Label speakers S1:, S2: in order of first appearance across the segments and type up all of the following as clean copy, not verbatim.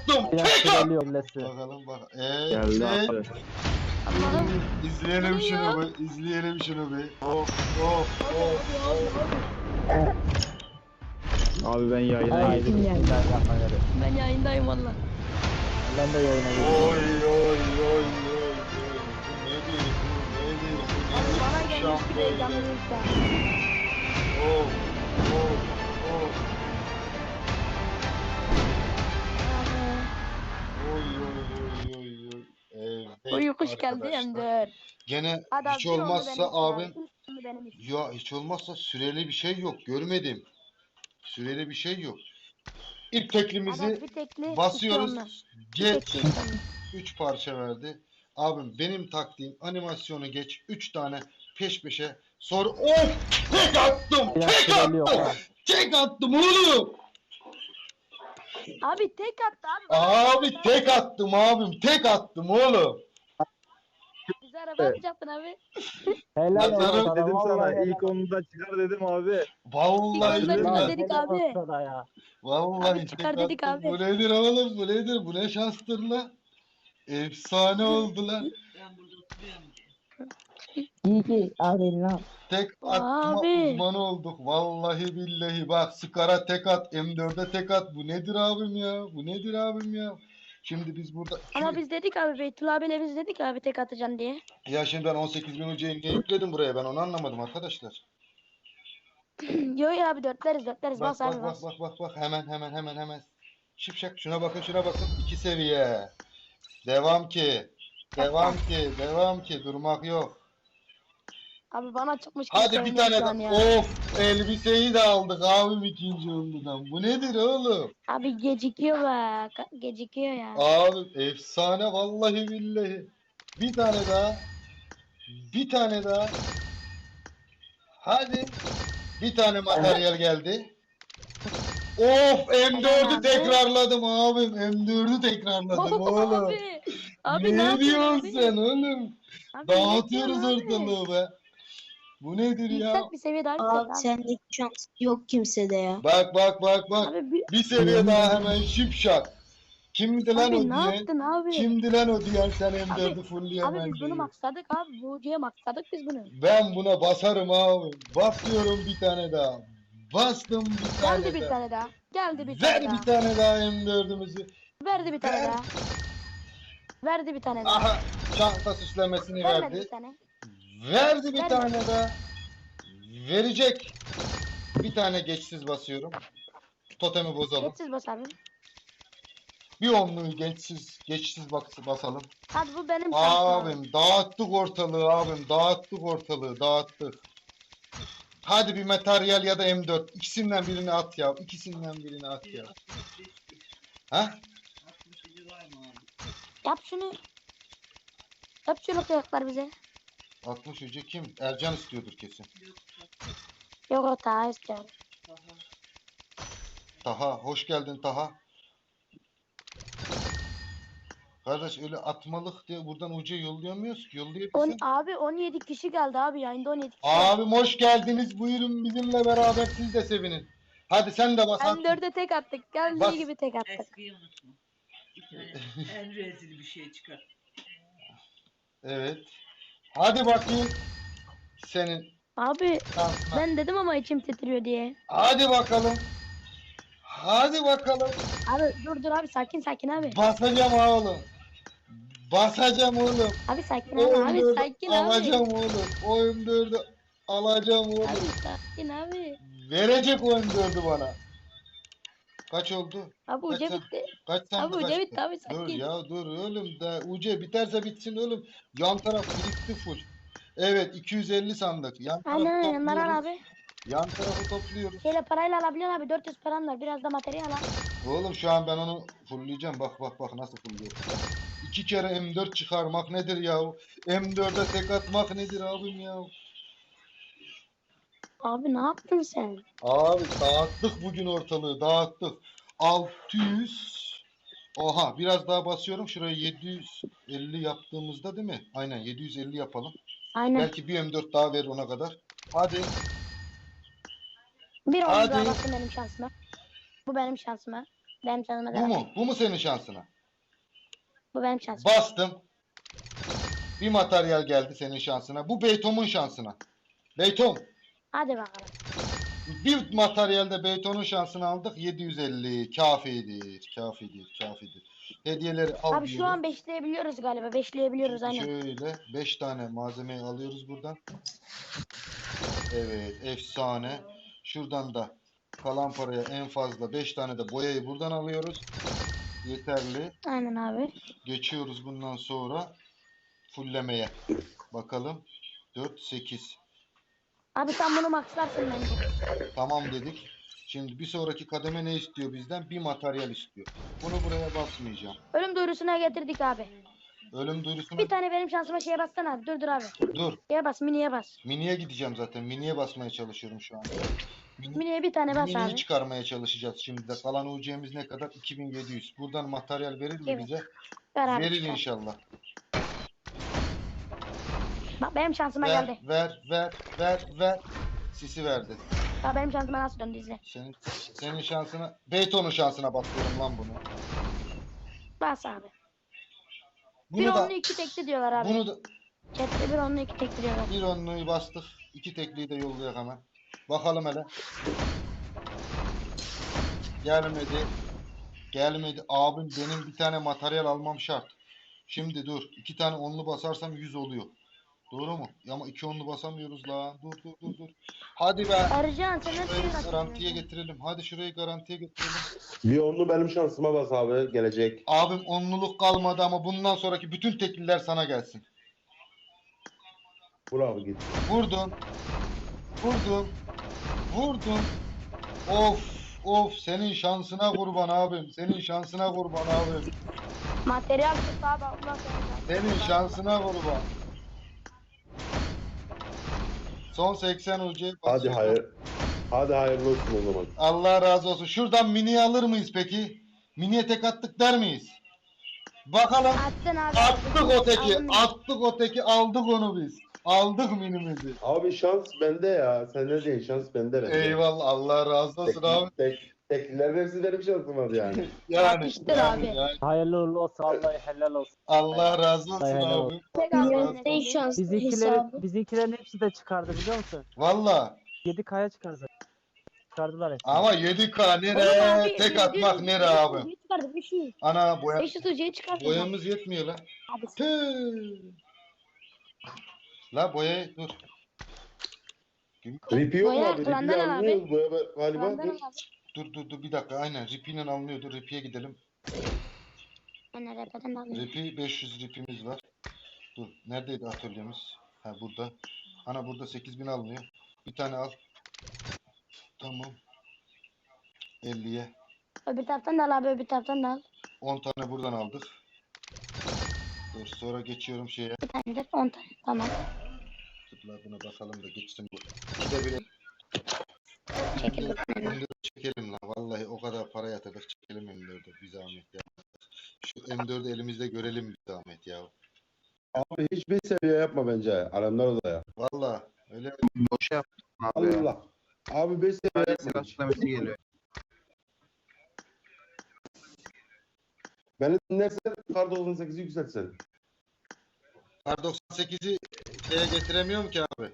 S1: attım. Tek attım. Bakalım bak.
S2: Geldi
S1: Evet.
S2: abi.
S3: Allah'ım.
S1: İzleyelim
S3: Geliyor.
S1: şunu bir. İzleyelim şunu bir. Of of of.
S2: Abi ben yayına girdim.
S3: Ben yayındayım valla.
S4: Ben de yayına girdim.
S1: Oy oy oy oy oy. Bu nedir? Bu nedir? Bu nedir?
S3: Bana gelmiş bir
S1: Şampiyon.
S3: heyecanlıysa.
S1: Of of of. Oy oy oy oy oy. Evet.
S3: Uykuş geldi
S1: arkadaşlar.
S3: hem de.
S1: Gene
S3: Hadi
S1: hiç
S3: bir onu
S1: olmazsa
S3: benim için
S1: abim
S3: abi, üstünü benim için.
S1: ya hiç olmazsa süreli bir şey yok. Görmedim. Süreli bir şey yok. İlk teklimizi
S3: Hadi bir tekli, iki
S1: basıyoruz.
S3: onunla. Bir
S1: Geç.
S3: tekli, iki onunla.
S1: 3 parça verdi. Abim benim taktiğim animasyonu geç. 3 tane peş peşe. Sonra of! Tek attım! Tek attım! Tek attım oğlum!
S3: Abi tek attı abi.
S1: Abi tek attım abim. Tek attım oğlum.
S3: Bize araba atacaktın abi.
S4: Helal
S1: Nazarım
S4: olsun
S2: Dedim sana
S4: vallahi
S2: ilk onda çıkar dedim abi.
S1: Vallahi
S3: İlk onda
S1: billahi.
S3: dedik abi.
S4: Ya.
S1: Vallahi
S3: Abi
S1: tek
S3: çıkar dedik
S1: attım.
S3: abi.
S1: Bu nedir oğlum? Bu nedir? Bu ne şanstır lan? Efsane oldu lan.
S4: İyi ki abi lan.
S1: Tek atma
S3: Abi.
S1: uzmanı olduk. Vallahi billahi bak Scar'a tek at, M4'e tek at. Bu nedir abim ya? Bu nedir abim ya? Şimdi biz burada...
S3: Ama biz dedik abi Beytullah abiyle biz dedik abi tek atacaksın diye.
S1: Ya şimdi ben 18 bin hocayı niye yükledim buraya? Ben onu anlamadım arkadaşlar.
S3: Yo ya abi dörtleriz
S1: Bak
S3: bas abi
S1: bak
S3: bas.
S1: bak. Hemen. Şipşak şuna bakın. 2 seviye. Devam ki. Devam ki. Durmak yok.
S3: Abi bana çıkmış
S1: Hadi
S3: kimse
S1: bir tane
S3: oynuyor şu an
S1: de.
S3: ya.
S1: Of elbiseyi de aldık abim ikinci onludan. Bu nedir oğlum?
S3: Abi gecikiyor bak. Gecikiyor ya.
S1: Abi efsane vallahi billahi. Bir tane daha. Bir tane daha. Hadi. Bir tane materyal geldi. Of M4'ü
S3: abi.
S1: tekrarladım abim. M4'ü tekrarladım oğlum.
S3: Abi. Abi ne
S1: Ne
S3: yapıyorsun
S1: diyorsun
S3: abi?
S1: sen oğlum?
S3: Abi
S1: Dağıtıyoruz
S3: ne yapıyorsun abi?
S1: ortalığı be. Bu nedir ya?
S3: Yüksek bir seviye daha yüksek
S5: Abi
S3: abi.
S5: sendeki şans yok kimsede ya.
S1: Bak.
S3: Abi,
S1: Bir seviye daha hemen şipşak. Kimdi lan
S3: abi
S1: o
S3: ne
S1: diyen?
S3: yaptın abi?
S1: Kimdi lan o diyen sen M4'ü
S3: Abi
S1: fullleyemen
S3: biz bunu
S1: diye.
S3: maksadık abi. Bu ucuya maksadık biz bunu.
S1: Ben buna basarım abi. Basıyorum bir tane daha. Bastım bir tane
S3: Geldi bir
S1: daha.
S3: tane daha. Geldi bir
S1: Ver
S3: tane daha.
S1: bir tane daha M4'ümüzü.
S3: Verdi bir tane
S1: Ver.
S3: daha. Verdi bir tane daha.
S1: Aha çanta süslemesini
S3: Vermedi bir
S1: verdi.
S3: tane.
S1: Verdi bir
S3: Vermedi.
S1: tane daha. Verecek. Bir tane geçsiz basıyorum. Totemi bozalım.
S3: Geçsiz bas abi.
S1: Bir onluğu geçsiz basalım.
S3: Hadi bu benim şansım abi.
S1: Abim dağıttık ortalığı abim. Dağıttık. Hadi bir materyal ya da M4. İkisinden birini at ya. Ha?
S3: Yap şunu. Yap şunu kıyaklar bize.
S1: 60 hoca kim? Ercan istiyordur kesin.
S3: Yok o daha istiyorum.
S1: Taha hoş geldin Taha. Kardeş öyle atmalık diye buradan uca yollayamıyoruz ki. Yollayabilirsin.
S3: Abi 17 kişi geldi abi yayında 17 kişi.
S1: Abim hoş geldiniz. Buyurun bizimle beraber siz de sevinin. Hadi sen de bas.
S3: M4'e tek attık. Geldiği
S1: Bas.
S3: gibi tek attık.
S6: Eskiyi unutma. Bir tane en rezil bir şey çıkar.
S1: Evet. Hadi bakayım. Senin
S3: Abi
S1: şansına.
S3: ben dedim ama içim titriyor diye.
S1: Hadi bakalım.
S3: Abi dur abi sakin abi.
S1: Basacağım oğlum.
S3: Abi sakin
S1: O
S3: abi. Abi
S1: M4'ü
S3: sakin abi.
S1: alacağım oğlum. O M4'ü alacağım oğlum.
S3: Abi sakin abi.
S1: Verecek o M4'ü bana. Kaç oldu?
S3: Abi uca
S1: Kaç
S3: bitti.
S1: Kaç sende
S3: Abi uca
S1: kaçtı?
S3: bitti abi
S1: Dur
S3: sakin.
S1: ya dur oğlum da uca biterse bitsin oğlum. Yan taraf birikti full. Evet 250 sandık. Yan tarafı
S3: Aynen yanlar al
S1: topluyoruz.
S3: abi.
S1: Yan tarafı topluyoruz.
S3: Şeyle parayla alabiliyorsun abi 400 paran var. Biraz da materyal al.
S1: Oğlum şu an ben onu fullleyeceğim. Bak nasıl fullüyorum. 2 kere M4 çıkarmak nedir ya? M4'e tek atmak nedir abim ya?
S3: Abi ne yaptın sen?
S1: Abi dağıttık bugün ortalığı dağıttık. 600. Oha biraz daha basıyorum. Şuraya 750 yaptığımızda değil mi? Aynen 750 yapalım.
S3: Aynen.
S1: Belki bir M4 daha verir ona kadar. Hadi.
S3: Bir
S1: Hadi.
S3: oldu daha baktım benim şansıma. Bu benim şansıma. Benim şansıma
S1: Bu
S3: devam.
S1: mu? Bu mu senin şansına?
S3: Bu benim şansım.
S1: Bastım. Bir materyal geldi senin şansına. Bu Beytom'un şansına. Beytom.
S3: Hadi bakalım.
S1: Bir materyalde Beyton'un şansını aldık. 750. Kafidir. Kafidir. Kafidir. Hediyeleri al
S3: Abi şu an beşleyebiliyoruz galiba. Beşleyebiliyoruz aynen.
S1: Şöyle 5 tane malzemeyi alıyoruz buradan. Evet, efsane. Şuradan da kalan paraya en fazla 5 tane de boyayı buradan alıyoruz. Yeterli.
S3: Aynen abi.
S1: Geçiyoruz bundan sonra fullemeye. Bakalım. 4, 8.
S3: Abi sen bunu maxlarsın bence.
S1: Tamam dedik. Şimdi bir sonraki kademe ne istiyor bizden? Bir materyal istiyor. Bunu buraya basmayacağım.
S3: Ölüm duyurusuna getirdik abi.
S1: Ölüm duyurusuna
S3: Bir tane benim şansıma şeye bassana abi. Dur abi.
S1: dur.
S3: Şeye bas, miniye bas.
S1: Mini'ye gideceğim zaten. Mini'ye basmaya çalışıyorum şu anda.
S3: Miniye bir tane bas
S1: Mini'yi
S3: abi.
S1: çıkarmaya çalışacağız şimdi de. Kalan UC'miz ne kadar? 2700. Buradan materyal verir mi
S3: Evet.
S1: bize?
S3: Ver abi.
S1: Verir
S3: çıkar.
S1: inşallah.
S3: Bak benim şansıma
S1: Ver,
S3: geldi.
S1: ver. Sisi verdi.
S3: Bak benim şansıma nasıl döndü izle.
S1: Senin şansına, Beyton'un şansına bakıyorum lan bunu.
S3: Bas abi. Bir
S1: Bunu da,
S3: onlu iki tekli diyorlar abi.
S1: bunu da,
S3: Chat'te bir onlu iki tekli diyorlar.
S1: bir onluyu bastık. 2 tekliyi de yollayak hemen. Bakalım hele. Gelmedi. Gelmedi. Abim benim bir tane materyal almam şart. Şimdi dur. 2 tane onlu basarsam 100 oluyor. Doğru mu? Ama 2 onlu basamıyoruz la. Dur. Hadi be.
S3: Ercan sen nasıl
S1: Şurayı
S3: bir
S1: garantiye getirelim. Hadi şurayı garantiye getirelim.
S7: Bir onlu benim şansıma bas abi gelecek.
S1: Abim onluluk kalmadı ama bundan sonraki bütün tekliler sana gelsin.
S7: Vur abi git.
S1: Vurdun. Of senin şansına kurban abim. Senin şansına kurban abim.
S3: Materyal tut abi. Allah seni.
S1: Senin şansına kurban. Son 80 UC
S7: Hadi hayır. Hadi hayırlı olsun o zaman.
S1: Allah razı olsun. Şuradan mini'yi alır mıyız peki? Mini'ye tek attık der miyiz? Bakalım.
S3: Attın abi.
S1: Attık o teki.
S3: Aldın.
S1: Attık o teki. Aldık onu biz. Aldık minimizi.
S7: Abi şans bende ya. Sende değil şans bende bende.
S1: Eyvallah. Allah razı olsun abi.
S7: Teklilerin hepsi benim şansım abi yani.
S1: Yani,
S3: Yapıştır abi.
S4: Hayırlı uğurlu olsun. Vallahi helal olsun.
S1: Allah razı olsun
S4: Helal
S1: abi.
S3: Tek
S1: Allah
S3: aldın.
S5: Ne şans hesabı.
S4: Bizimkilerin hepsi de çıkardı biliyor musun?
S1: Valla.
S4: 7K'ya çıkardı. Çıkardılar hepsini.
S1: Ama 7K
S3: Oğlum
S1: nere?
S3: abi,
S1: Tek
S3: 500
S1: atmak nere abi?
S3: UC'yi çıkardı 500.
S1: Ana
S3: 500 UC'yi çıkardı.
S1: boyamız yetmiyor la.
S3: Abi
S1: Tüh. La boyayı dur.
S7: Ripi yok mu
S3: Boya
S7: abi? Ripi
S3: Kur'an'dan al abi.
S7: almıyoruz. Boya galiba.
S3: Kur'an'dan
S7: Dur.
S3: al abi.
S1: Dur bir dakika aynen ripiyle alınıyor. Dur ripiye gidelim.
S3: Ben repeden alayım.
S1: Ripi 500 ripimiz var. Dur neredeydi atölyemiz? Ha burada. Ana burada 8000 alınıyor. Bir tane al. Tamam. 50'ye.
S3: Öbür taraftan da al abi öbür taraftan da al.
S1: 10 tane buradan aldık. Dur sonra geçiyorum şeye.
S3: Bir tane de 10 tane. Tamam.
S1: Tıkla buna basalım da geçsin bu. İkide bir
S3: Çekil bakalım.
S1: M4 çekelim la. Vallahi o kadar para yatırdık çekelim M4'ü bir zahmet ya. Şu M4'ü elimizde görelim bir zahmet ya.
S7: Abi hiçbir seviye yapma bence. Alemdar odaya.
S1: Vallahi öyle
S8: Boş yap abi ya.
S7: Allah. Abi 5 seviye
S8: Sadece
S7: yapma.
S8: silahçılaması geliyor.
S7: Beni dinlersen kar 98'i yükseltsen.
S1: Kar 98'i şeye getiremiyorum ki abi.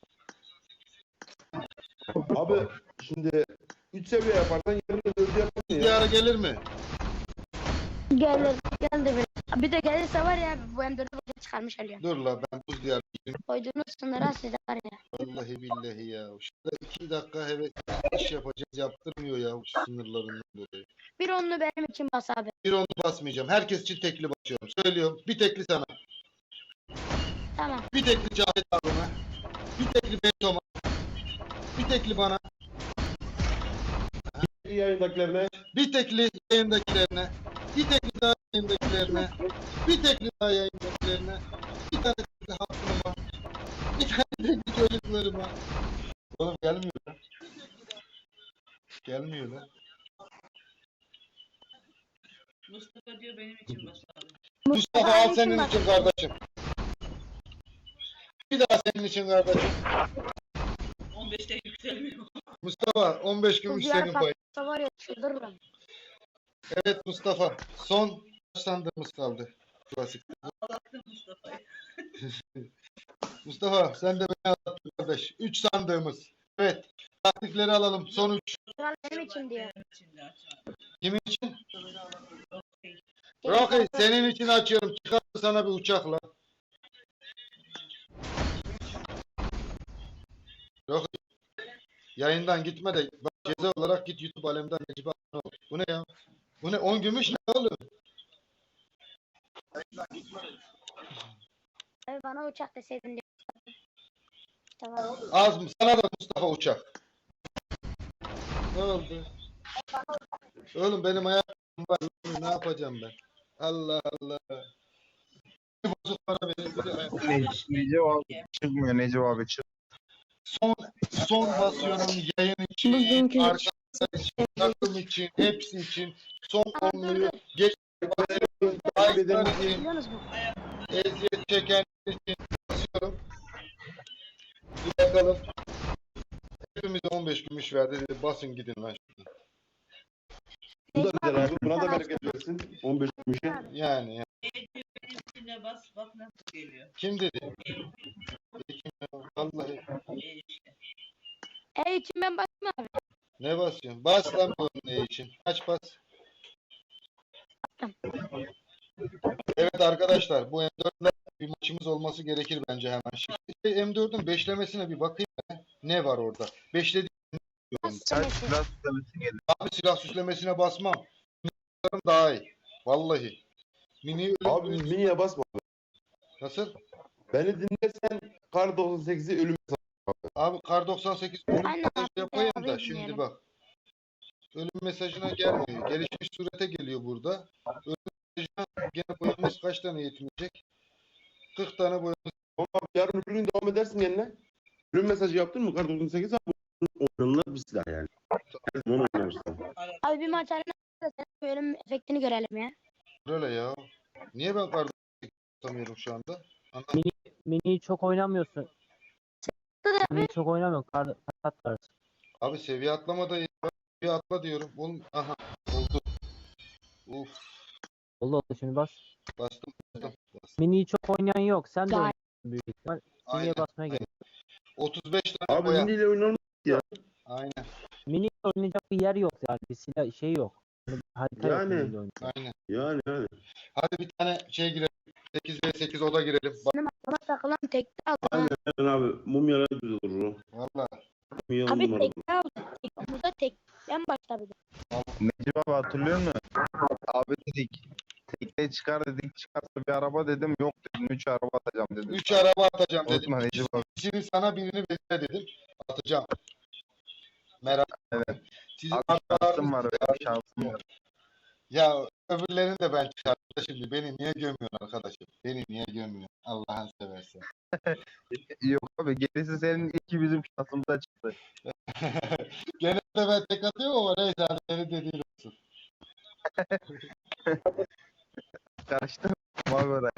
S7: Abi şimdi 3 seviye yaparsan yarın 4'ü yaparsın ya.
S1: Diyara gelir mi?
S3: Geldi. Geldi bir. Bir de gelirse var ya bu M4'ü boşa çıkarmış alıyor.
S1: Dur la ben buz diyarı gideyim.
S3: Koyduğunuz sınıra size var ya.
S1: Vallahi billahi ya. Şurada 2 dakika heves iş yapacağız yaptırmıyor ya şu sınırlarından dolayı.
S3: Bir onlu benim için bas abi.
S1: Bir onu basmayacağım. Herkes için tekli basıyorum. Söylüyorum. Bir tekli sana.
S3: Tamam.
S1: Bir tekli Cahit abime. Bir tekli Beytom'a. Bir tekli bana.
S7: Yayındakilerine
S1: Bir tekli yayındakilerine. Bir tekli daha yayındakilerine. Bir tekli daha yayındakilerine. Bir tane tekli hatırıma. Bir tane tekli çocuklarıma. Oğlum gelmiyor lan. Gelmiyor lan.
S6: Mustafa diyor benim için bas abi.
S1: Mustafa al
S3: benim
S1: senin
S3: için
S1: için kardeşim. Bir daha senin için kardeşim.
S6: 15'te yükselmiyor.
S1: Mustafa 15 gün
S3: Bu
S1: senin
S3: diğer
S1: payın.
S3: patsa var ya çıldırırım.
S1: Evet Mustafa. Son kaç sandığımız kaldı? Klasik.
S6: Ağlattım Mustafa'yı.
S1: Mustafa sen de beni anlattın kardeş. 3 sandığımız. Evet. Taktikleri alalım. Son 3.
S3: Kral benim için diyor.
S6: Benim için de açar.
S1: Kimin için?
S6: Okey.
S1: Rocky senin için açıyorum. Çıkar sana bir uçakla. Rocky. Yayından gitme de bak, ceza olarak git YouTube alemden Necip abone ol. Bu ne ya? Bu ne? 10 gümüş ne oğlum?
S3: Abi bana uçak deseydin diyor. Tamam.
S1: Az mı? Sana da Mustafa uçak. Ne oldu? Oğlum benim ayağım var. Ne yapacağım ben? Allah Allah. Bir bozuk para verin. Bir de ayak-
S8: Necip abi çıkmıyor Necip abi çık.
S1: Son basıyorum yayın için,
S5: Bugünkü
S1: arkadaşlar için, takım için, hepsi için. Son onluyu geç
S7: Takip
S1: aylar
S7: edelim.
S1: için,
S3: Biliyor musun?
S1: eziyet çeken için basıyorum. Bir bakalım. Hepimize 15 gümüş verdi. Dedi, basın gidin lan şuradan.
S7: Bu da güzel abi. Buna da bereket versin. 15 gümüşe.
S1: Yani.
S6: Benimkine bas bak nasıl geliyor.
S1: Kim dedi? Kim ya? Vallahi.
S6: İşte.
S3: için ben basayım abi.
S1: Ne basıyorsun? Bas lan bu ne için? Kaç bas? Evet arkadaşlar bu M4'le bir maçımız olması gerekir bence hemen. Şimdi M4'ün beşlemesine bir bakayım ben. Ne var orada? Beşlediğim
S8: Sen silah tutamıyorsun gelin.
S1: abi silah süslemesine basmam. Mini'lerim daha iyi. Vallahi. Mini
S7: Abi miniye basma.
S1: nasıl?
S7: Beni dinlersen Kar 98'i ölüm
S1: Abi Kar 98 ölüm
S3: Aynen
S1: mesajı
S3: abi,
S1: yapayım
S3: abi
S1: da şimdi
S3: dinleyelim.
S1: bak. Ölüm mesajına gelmiyor. Gelişmiş surete geliyor burada. Ölüm mesajına gene boyamız kaç tane yetmeyecek? 40 tane boyamız.
S7: Ama abi yarın öbür gün devam edersin yerine. Ölüm mesajı yaptın mı Kar 98 abi? Oynanılır bir silah yani. Her zaman oynarsın.
S3: Abi bir maç arena da senin bölüm efektini görelim ya.
S1: Böyle ya. Niye ben Kar 98 tutamıyorum şu anda?
S4: Mini'yi çok oynamıyorsun. Mini'yi çok oynamıyorsun. Kart var.
S1: Abi seviye atlama da iyi. Bak, seviye atla diyorum. Oğlum aha oldu. Uf
S4: Oldu şimdi bas.
S1: bastım.
S4: Mini'yi çok oynayan yok. Sen de
S3: Gayet.
S4: oynuyorsun büyük ihtimal.
S1: Aynen.
S4: Mini'ye basmaya gerek.
S1: 35 tane
S7: Abi
S1: boya.
S7: miniyle oynanılır.
S1: Aynen.
S4: Mini oynayacak bir yer yok yani. Bir silah şey yok. Harita yok
S7: Yani.
S4: Mini'yle oynayacak.
S1: Aynen.
S7: Yani.
S1: Hadi bir tane şey girelim. 8 ve 8 oda girelim. Bak
S3: Benim aklıma takılan tekte aldım.
S7: Aynen abi. Mumyalar güzel olur o.
S1: valla.
S7: Mumya
S3: Abi
S7: numara.
S3: tekte aldım. Burada tekten başladı.
S8: Necip abi hatırlıyor musun? Abi dedik. Tekne çıkar dedik çıkarsa bir araba dedim yok dedim 3 araba atacağım dedim.
S1: 3 araba atacağım dedim.
S8: Unutma Necip abi.
S1: Birini sana birini bekle dedim. Atacağım. Merak etme.
S8: Evet.
S1: Sizin
S8: Abi
S1: arkalar-
S8: şansım var öyle bir şansım var.
S1: Ya öbürlerini de ben çıkarttım. Şimdi beni niye gömüyorsun arkadaşım? Beni niye gömüyorsun? Allah'ın seversen.
S8: Yok abi gerisi senin iki bizim şansımıza çıktı.
S1: Genelde ben tek atıyorum ama neyse hadi senin dediğin olsun.
S8: Karıştım abi oraya.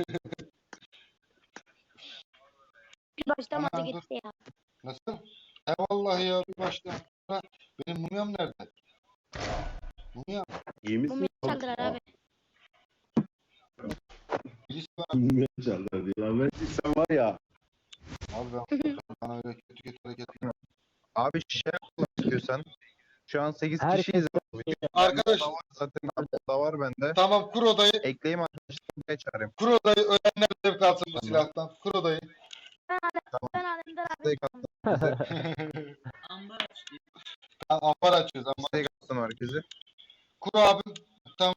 S3: Bir başlamadı
S1: Aman dur.
S3: gitti ya.
S1: Nasıl? He vallahi ya bir baştan. Ha, benim mumyam nerede? Mumyam.
S7: İyi
S3: Bu
S7: misin?
S3: mi çaldılar abi?
S1: Birisi bana.
S7: Mumya çaldılar diyorlar. Ben sen var ya.
S1: Abi ben bana öyle kötü hareket.
S8: Abi şişe yapmak istiyorsan. Şu an 8
S4: Herkes
S8: kişiyiz.
S1: Arkadaş
S8: Zaten da var bende.
S1: tamam kur odayı.
S8: Ekleyeyim arkadaşlar buraya çağırayım.
S1: Kur odayı ölenler zevk alsın bu silahtan. Kur odayı.
S3: Ben alemden abi.
S8: Steak
S6: Ambar açtı.
S1: Tamam, ambar açıyoruz ama.
S8: Steak attım herkese.
S1: Kur abim. Tamam.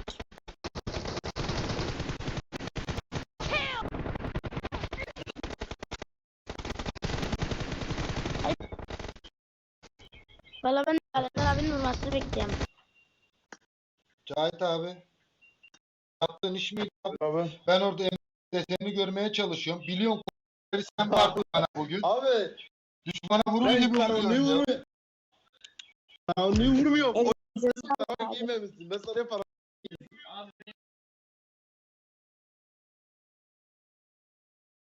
S3: Valla ben alemden abinin vurmasını bekliyorum.
S1: Cahit abi. Yaptığın iş miydi abi?
S7: Abi.
S1: Ben orada desenini görmeye çalışıyorum. Biliyorsun sen vardın bana bugün.
S7: Abi.
S1: Düşmana vurur
S7: Ben
S1: gibi
S7: sana ne
S1: vuruyorsun ya.
S7: vurmuyor? Sana ne vurmuyor? O
S5: Elinize
S7: sana giymemişsin. Ben sana para